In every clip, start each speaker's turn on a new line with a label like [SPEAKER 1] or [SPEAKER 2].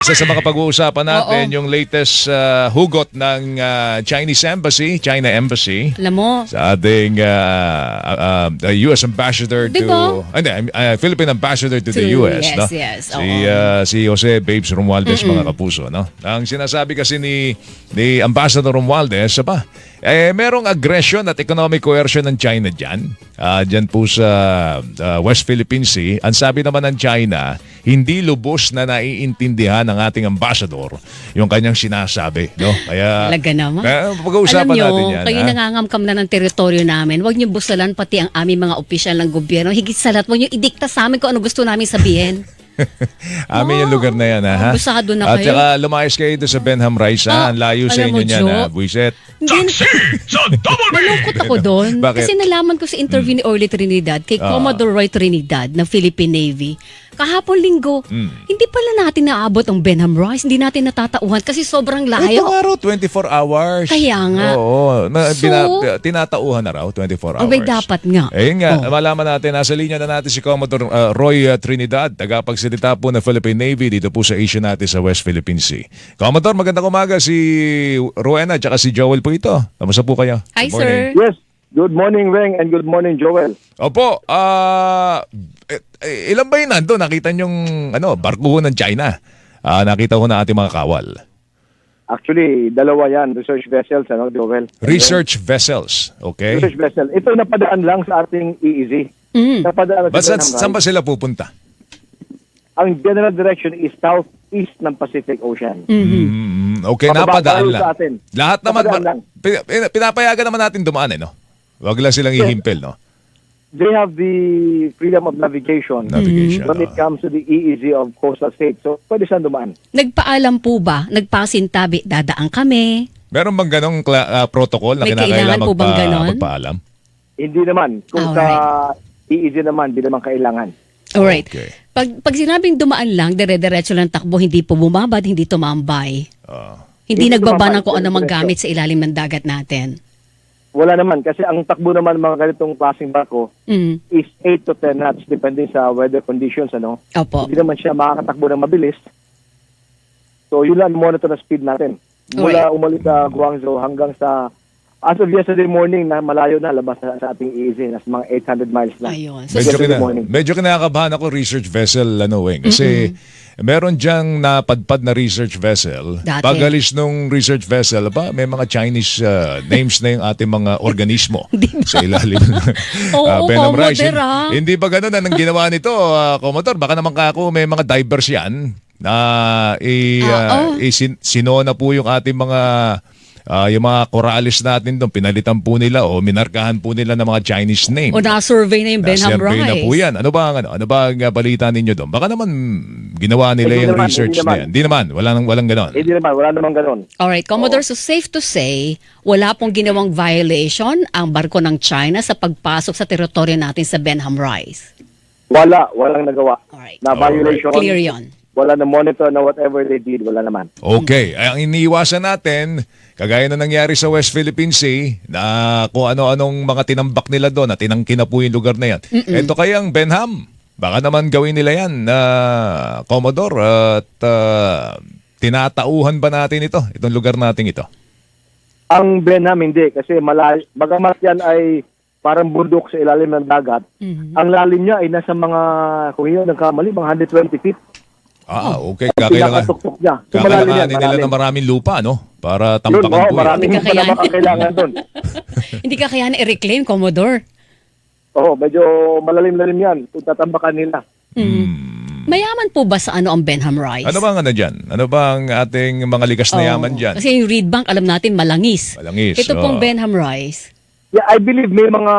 [SPEAKER 1] Isa sa mga pag-uusapan natin,
[SPEAKER 2] Oo.
[SPEAKER 1] yung latest hugot ng China Embassy
[SPEAKER 2] Alam mo,
[SPEAKER 1] sa ating US Ambassador
[SPEAKER 2] Diba?
[SPEAKER 1] Philippine Ambassador to the
[SPEAKER 2] To-
[SPEAKER 1] US.
[SPEAKER 2] yes,
[SPEAKER 1] No?
[SPEAKER 2] yes,
[SPEAKER 1] Si Jose Babes Romualdez, mga kapuso. No? Ang sinasabi kasi ni Ambassador Romualdez, merong aggression at economic coercion ng China dyan. Dyan po sa West Philippine Sea. Ang sabi naman ng China, hindi lubos na naiintindihan ng ating ambassador yung kanyang sinasabi. No? Kaya,
[SPEAKER 2] talaga naman.
[SPEAKER 1] pag-uusapan
[SPEAKER 2] Alam nyo,
[SPEAKER 1] natin yan.
[SPEAKER 2] kayo nangangamkam na ng teritoryo namin. Huwag nyo busalan pati ang aming mga opisyal ng gobyerno. Higit sa lahat, huwag nyo idikta sa amin kung ano gusto namin sabihin.
[SPEAKER 1] Amin yung lugar na yan, ha?
[SPEAKER 2] Busado na
[SPEAKER 1] At
[SPEAKER 2] kayo.
[SPEAKER 1] saka lumayas kayo doon sa Benham Rice, ha? Ang layo sa
[SPEAKER 2] alam mo,
[SPEAKER 1] inyo niyan,
[SPEAKER 2] Jo,
[SPEAKER 1] ha? Buiset.
[SPEAKER 2] Nalungkot ako doon.
[SPEAKER 1] Bakit?
[SPEAKER 2] Kasi nalaman ko sa interview ni Orly Trinidad kay Commodore Roy Trinidad ng Philippine Navy. Kahapon linggo, hindi pala natin naabot ang Benham Rice. Hindi natin natatauhan kasi sobrang
[SPEAKER 1] Ito
[SPEAKER 2] layo.
[SPEAKER 1] nga raw, 24 hours.
[SPEAKER 2] Kaya nga.
[SPEAKER 1] Oo.
[SPEAKER 2] So,
[SPEAKER 1] Tinatauhan na raw, 24 hours.
[SPEAKER 2] Abay, dapat nga.
[SPEAKER 1] Ayun nga, malaman natin, nasa linya na natin si Commodore Roy Trinidad, tagapagsalita po ng Philippine Navy dito po sa Asia natin sa West Philippine Sea. Commodore, magandang umaga. Si Rowena at si Joel po ito. Kamusta po kayo?
[SPEAKER 2] Hi,
[SPEAKER 1] Good morning.
[SPEAKER 2] sir.
[SPEAKER 3] Yes. Good morning, Weng, and good morning, Joel.
[SPEAKER 1] Opo, ilan ba yun nandun? Nakita niyong barko ng China? Nakita ko na ating mga kawal.
[SPEAKER 3] Actually, dalawa yan, research vessels, Joel.
[SPEAKER 1] Research vessels, okay?
[SPEAKER 3] Research vessel. Ito napadaan lang sa ating EEZ. Napadaan
[SPEAKER 1] But
[SPEAKER 3] sa
[SPEAKER 1] saan ba sila pupunta?
[SPEAKER 3] Ang general direction is southeast ng Pacific Ocean.
[SPEAKER 1] Okay,
[SPEAKER 3] Pababa
[SPEAKER 1] napadaan
[SPEAKER 3] tayo
[SPEAKER 1] lang.
[SPEAKER 3] sa atin.
[SPEAKER 1] Lahat naman,
[SPEAKER 3] Napadaan lang.
[SPEAKER 1] pinapayagan naman natin dumaan, no? Wag lang silang ihimpel, no?
[SPEAKER 3] They have the freedom of navigation,
[SPEAKER 1] Navigation,
[SPEAKER 3] when it comes to the EEZ of coastal states. So, pwede siyang dumaan.
[SPEAKER 2] Nagpaalam po ba? Nagpasintabi, dadaan kami.
[SPEAKER 1] Meron bang ganong protocol na
[SPEAKER 2] May
[SPEAKER 1] kinakailangan
[SPEAKER 2] kailangan po bang ganon?
[SPEAKER 1] magpaalam?
[SPEAKER 3] Hindi naman. Kung sa EEZ naman, di naman kailangan.
[SPEAKER 2] Alright.
[SPEAKER 1] Okay.
[SPEAKER 2] Pag sinabing dumaan lang, dire-diretso lang takbo, hindi po bumabad, hindi tumambay. Hindi
[SPEAKER 3] Hindi
[SPEAKER 2] nagbaba ng
[SPEAKER 3] tumambay,
[SPEAKER 2] kung anong
[SPEAKER 3] dire-diretso.
[SPEAKER 2] gamit sa ilalim ng dagat natin.
[SPEAKER 3] Wala naman. Kasi ang takbo naman ng mga ganitong klaseng barko is 8 to 10 knots depende sa weather conditions.
[SPEAKER 2] Opo.
[SPEAKER 3] Hindi naman siya makakatakbo ng mabilis. So, yun lang monitor na speed natin. Mula umalis sa Guangzhou hanggang sa as of yesterday morning na malayo na labas sa ating EEZ. Nas mga 800 miles na.
[SPEAKER 2] Ayun. So,
[SPEAKER 3] Yesterday morning.
[SPEAKER 1] Medyo kinakabahan ako research vessel, Weng. Kasi meron diyang napadpad na research vessel.
[SPEAKER 2] Dati.
[SPEAKER 1] Pagalis nung research vessel, may mga Chinese names na yung ating mga organismo sa ilalim ng
[SPEAKER 2] Oo,
[SPEAKER 1] Benham Rice.
[SPEAKER 2] Commodore, ah.
[SPEAKER 1] Hindi ba ganun ang ginawa nito, Commodore? Baka naman kako may mga divers yan na sinona po yung ating mga yung mga corales natin doon, pinalitan po nila o minarkahan po nila ng mga Chinese name.
[SPEAKER 2] O na-survey na yung Benham
[SPEAKER 1] Na-survey
[SPEAKER 2] Rice.
[SPEAKER 1] na po yan. Ano ba ang balita ninyo doon? Baka naman ginawa nila
[SPEAKER 3] Hindi
[SPEAKER 1] yung
[SPEAKER 3] naman,
[SPEAKER 1] research
[SPEAKER 3] hindi
[SPEAKER 1] na
[SPEAKER 3] naman.
[SPEAKER 1] yan. Hindi naman. Walang ganon.
[SPEAKER 3] Hindi naman. Wala naman ganun.
[SPEAKER 2] Alright, Commodore, so safe to say, wala pong ginawang violation ang barko ng China sa pagpasok sa teritoryo natin sa Benham Rice.
[SPEAKER 3] Walang nagawa.
[SPEAKER 2] Alright.
[SPEAKER 3] Na violation.
[SPEAKER 2] Clear yon.
[SPEAKER 3] Wala na monitor na whatever they did. Wala naman.
[SPEAKER 1] Okay. Ay, ang iniiwasan natin, kagaya na nangyari sa West Philippine Sea, na kung ano-anong mga tinambak nila doon at tinangkin na po yung lugar na yan. Ito kayang Benham. Baka naman gawin nila yan, Commodore, at tinatauhan ba natin itong lugar natin ito?
[SPEAKER 3] Ang Benham hindi. Kasi bagamat yan ay parang bundok sa ilalim ng dagat, ang lalim niya ay nasa mga, kung yun nagkamali, mga 120 feet.
[SPEAKER 1] Okay.
[SPEAKER 3] Pinakatuktok niya. So, malalim yan,
[SPEAKER 1] Kakailanganin nila
[SPEAKER 3] malalim.
[SPEAKER 1] ng maraming lupa, no? Para
[SPEAKER 3] Yun,
[SPEAKER 1] tampakan po yan.
[SPEAKER 3] maraming
[SPEAKER 2] Hindi
[SPEAKER 3] pa
[SPEAKER 2] kakayanin.
[SPEAKER 3] naman ang kailangan doon.
[SPEAKER 2] Hindi ka kaya na-reclaim, Commodore.
[SPEAKER 3] Oo, medyo malalim-lalim yan. Kung tatambakan nila.
[SPEAKER 2] Mayaman po ba sa ang Benham Rice?
[SPEAKER 1] Ano bang dyan? Ano bang ating mga likas na yaman dyan?
[SPEAKER 2] Kasi yung Reed Bank, alam natin, malangis.
[SPEAKER 1] Malangis,
[SPEAKER 2] Ito pong
[SPEAKER 1] oo.
[SPEAKER 2] Benham Rice.
[SPEAKER 3] Yeah, I believe may mga,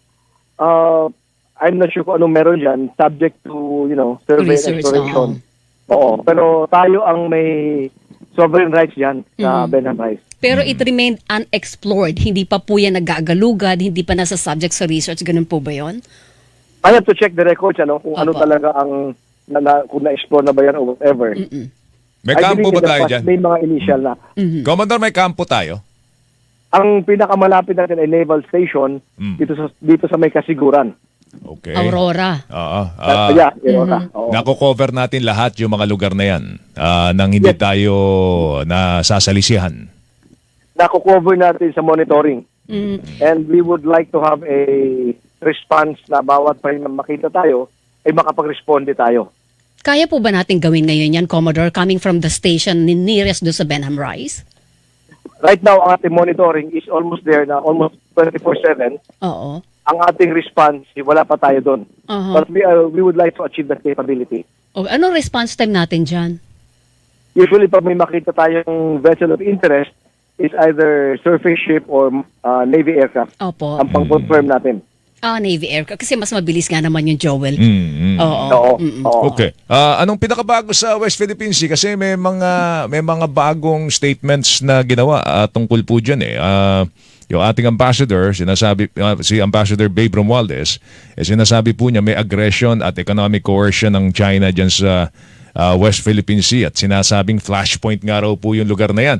[SPEAKER 3] I'm not sure kung anong meron dyan, subject to, survey and
[SPEAKER 2] Research,
[SPEAKER 3] exploration. Oo, pero tayo ang may sovereign rights dyan sa Benham Rice.
[SPEAKER 2] Pero it remained unexplored. Hindi pa po yan nag-aagalugad, hindi pa nasa subject sa research. Ganun po ba yun?
[SPEAKER 3] I have to check the records, kung ano
[SPEAKER 2] Opo.
[SPEAKER 3] talaga ang, kung na-explore na ba yan or whatever.
[SPEAKER 1] May
[SPEAKER 3] I
[SPEAKER 1] kampo ba
[SPEAKER 3] believe in the
[SPEAKER 1] tayo
[SPEAKER 3] past,
[SPEAKER 1] dyan?
[SPEAKER 3] May mga initial na.
[SPEAKER 1] Commodore, may kampo tayo?
[SPEAKER 3] Ang pinakamalapit natin ay naval station dito sa may Kasiguran.
[SPEAKER 1] Okay.
[SPEAKER 2] Aurora.
[SPEAKER 1] Oo.
[SPEAKER 3] Yeah, Aurora. Oo.
[SPEAKER 1] Nako-cover natin lahat yung mga lugar na yan nang hindi
[SPEAKER 3] Yes.
[SPEAKER 1] tayo nasasalisihan.
[SPEAKER 3] Nako-cover natin sa monitoring.
[SPEAKER 2] Mm.
[SPEAKER 3] And we would like to have a response na bawat pa makita tayo, ay makapag-responde tayo.
[SPEAKER 2] Kaya po ba natin gawin ngayon yan, Commodore, coming from the station nearest do sa Benham Rise?
[SPEAKER 3] Right now, ang ating monitoring is almost there na almost 24/7.
[SPEAKER 2] Oo.
[SPEAKER 3] Ang ating response, wala pa tayo doon.
[SPEAKER 2] Uh-huh.
[SPEAKER 3] But we would like to achieve that capability.
[SPEAKER 2] O, anong response time natin dyan?
[SPEAKER 3] Usually, pag may makita tayong vessel of interest, is either surface ship or Navy aircraft.
[SPEAKER 2] Opo.
[SPEAKER 3] Ang pang-confirm natin.
[SPEAKER 2] Navy aircraft. Kasi mas mabilis nga naman yung Joel.
[SPEAKER 1] Mm.
[SPEAKER 2] Oo.
[SPEAKER 3] Oo. Oo.
[SPEAKER 1] Okay. Anong pinakabago sa West Philippine Sea? Kasi may mga bagong statements na ginawa tungkol po dyan eh. Yung ating ambassador, si Ambassador Babe Romualdez, sinasabi po niya may aggression at economic coercion ng China dyan sa West Philippine Sea at sinasabing flashpoint nga raw po yung lugar na yan.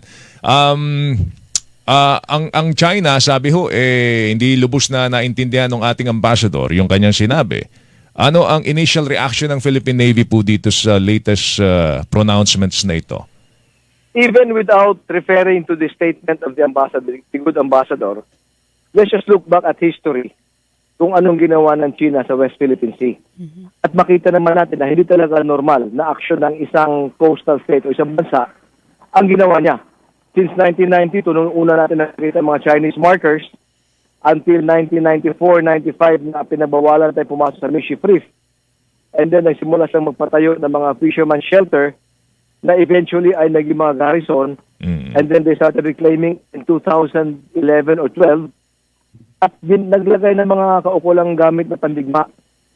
[SPEAKER 1] Ang China, sabi ho, hindi lubos na naintindihan ng ating ambassador yung kanyang sinabi. Ano ang initial reaction ng Philippine Navy po dito sa latest pronouncements na ito?
[SPEAKER 3] Even without referring to the statement of the ambassador, the good ambassador, let's just look back at history kung anong ginawa ng China sa West Philippine Sea. At makita naman natin na hindi talaga normal na aksyon ng isang coastal state o isang bansa ang ginawa niya. Since 1992, nung una natin nakikita mga Chinese markers, until 1994-95 na pinabawalan tayo pumasok sa Mischief Reef. And then nagsimula siyang magpatayo ng mga fisherman shelter na eventually ay naging mga garrison. And then they started reclaiming in 2011 or 12 at naglagay ng mga kaukulang gamit na pandigma.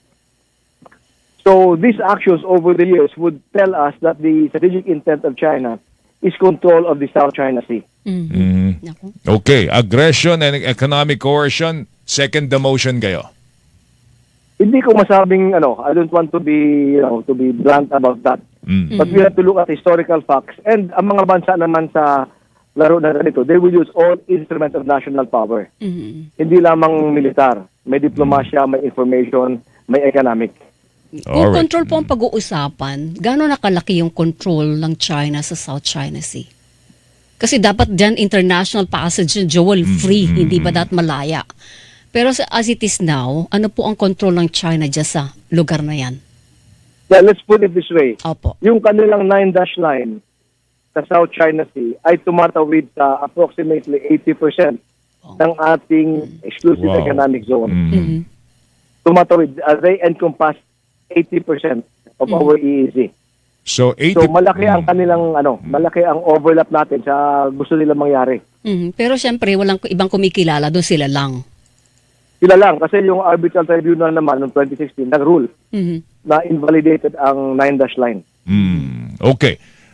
[SPEAKER 3] So these actions over the years would tell us that the strategic intent of China is control of the South China Sea.
[SPEAKER 2] Naku.
[SPEAKER 1] Okay. Aggression and economic coercion, second demotion kayo.
[SPEAKER 3] Hindi ko masabing I don't want to be to be blunt about that. But we have to look at historical facts. And ang mga bansa naman sa laro na ganito, they will use all instruments of national power. Hindi lamang militar. May diplomasya, may information, may economic.
[SPEAKER 2] Kung
[SPEAKER 1] Alright.
[SPEAKER 2] control po ang pag-uusapan, gano'n nakalaki yung control ng China sa South China Sea? Kasi dapat dyan international passage yung Joel free, hindi ba dapat malaya? Pero as it is now, ano po ang control ng China dyan sa lugar na yan?
[SPEAKER 3] Yeah, let's put it this way.
[SPEAKER 2] Opo.
[SPEAKER 3] Yung kanilang 9-dash line sa South China Sea ay tumatawid sa approximately 80% ng ating exclusive
[SPEAKER 1] Wow.
[SPEAKER 3] economic zone.
[SPEAKER 2] Mhm.
[SPEAKER 3] Tumatawid. They encompass 80% of our EEZ.
[SPEAKER 1] So, 80...
[SPEAKER 3] So malaki ang kanilang malaki ang overlap natin sa gusto nila mangyari.
[SPEAKER 2] Mhm. Pero syempre, walang ibang kumikilala doon, sila lang.
[SPEAKER 3] Sila lang kasi yung arbitral tribunal naman noong 2016 nag-rule
[SPEAKER 2] Mhm.
[SPEAKER 3] na invalidated ang 9-dash line.
[SPEAKER 1] Okay.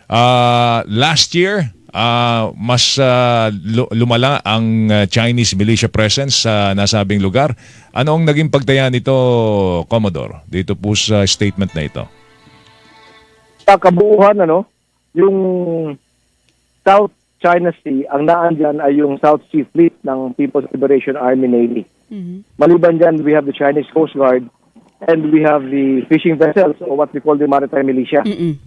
[SPEAKER 1] Last year, mas lumala ang Chinese militia presence sa nasabing lugar. Ano ang naging pagtaya nito, Commodore, dito po sa statement na ito?
[SPEAKER 3] Sa kabuuan, yung South China Sea, ang naan dyan ay yung South Sea Fleet ng People's Liberation Army Navy. Maliban dyan, we have the Chinese Coast Guard and we have the fishing vessels or what we call the maritime militia.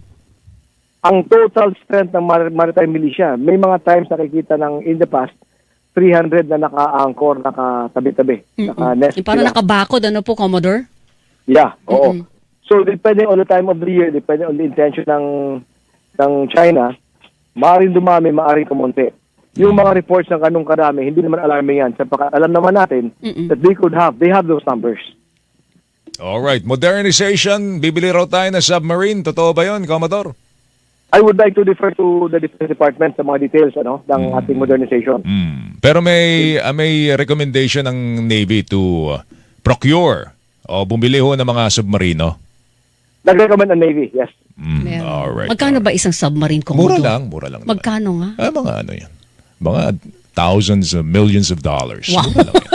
[SPEAKER 3] Ang total strength ng maritime militia, may mga times nakikita ng in the past, 300 na naka-anchor, nakatabi-tabi, naka-nest.
[SPEAKER 2] Parang
[SPEAKER 3] sila.
[SPEAKER 2] nakabakod, ano po, Commodore?
[SPEAKER 3] Yeah, oo. So, depending on the time of the year, depending on the intention ng China, maaaring dumami, maaaring kumonte. Yung mga reports ng kanong karami, hindi naman alarming yan. Sapagkat alam naman natin that they have those numbers.
[SPEAKER 1] Alright, modernization, bibili raw tayo ng submarine. Totoo ba yun, Commodore?
[SPEAKER 3] I would like to defer to the Defense Department sa mga details ng ating modernization.
[SPEAKER 1] Pero may recommendation ng Navy to procure o bumili ho ng mga submarino.
[SPEAKER 3] Nag-recommend ang Navy, yes.
[SPEAKER 2] Meron.
[SPEAKER 1] Alright.
[SPEAKER 2] Magkano ba isang submarine, Commodore?
[SPEAKER 1] Mura lang. naman.
[SPEAKER 2] Magkano nga?
[SPEAKER 1] Mga ano yan. Mga thousands of millions of dollars.
[SPEAKER 2] Wow.
[SPEAKER 1] Mura lang yan.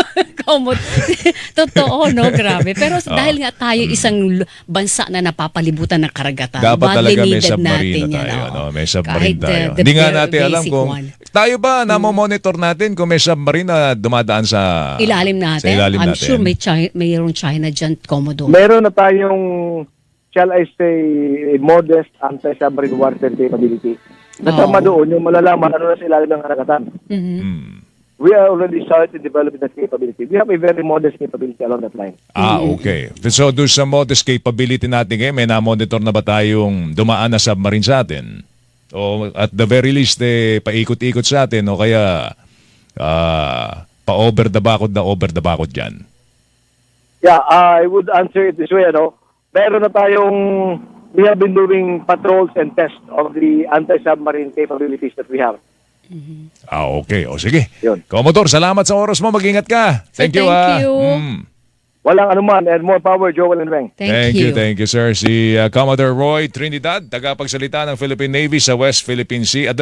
[SPEAKER 2] Totoo, no? Grabe. Pero dahil nga tayo isang bansa na napapalibutan ng karagatan,
[SPEAKER 1] Dapat
[SPEAKER 2] badly
[SPEAKER 1] talaga may
[SPEAKER 2] needed
[SPEAKER 1] submarine
[SPEAKER 2] natin
[SPEAKER 1] na tayo.
[SPEAKER 2] yan, oo.
[SPEAKER 1] May submarine
[SPEAKER 2] Kahit
[SPEAKER 1] tayo.
[SPEAKER 2] the
[SPEAKER 1] Hindi nga
[SPEAKER 2] bare
[SPEAKER 1] natin alam
[SPEAKER 2] basic
[SPEAKER 1] kung
[SPEAKER 2] one.
[SPEAKER 1] Tayo ba monitor natin kung may submarine na dumadaan sa
[SPEAKER 2] Ilalim natin.
[SPEAKER 1] Sa ilalim
[SPEAKER 2] I'm
[SPEAKER 1] natin?
[SPEAKER 2] sure mayroong China dyan, Commodore.
[SPEAKER 3] Meron na tayong, shall I say, modest anti-submarine warfare capability. Kasama doon yung malalaman ano na sa ilalim ng karagatan.
[SPEAKER 2] Mhm.
[SPEAKER 1] Hmm.
[SPEAKER 3] We are already started developing that capability. We have a very modest capability along that line.
[SPEAKER 1] Okay. So, doon sa modest capability natin ngayon, may na-monitor na ba tayong dumaan na submarine sa atin? O at the very least, paikot-ikot sa atin o kaya pa-over the bakod dyan?
[SPEAKER 3] Yeah, I would answer it this way, meron na tayong, we have been doing patrols and tests of the anti-submarine capabilities that we have.
[SPEAKER 1] Okay. O sige.
[SPEAKER 3] Yun.
[SPEAKER 1] Commodore, salamat sa oras mo. Mag-ingat ka. Thank you.
[SPEAKER 2] Thank you.
[SPEAKER 3] Walang anuman, and more power, Joel and Weng.
[SPEAKER 2] Thank you.
[SPEAKER 1] Thank you, sir. Si Commodore Roy Trinidad, tagapagsalita ng Philippine Navy sa West Philippine Sea. At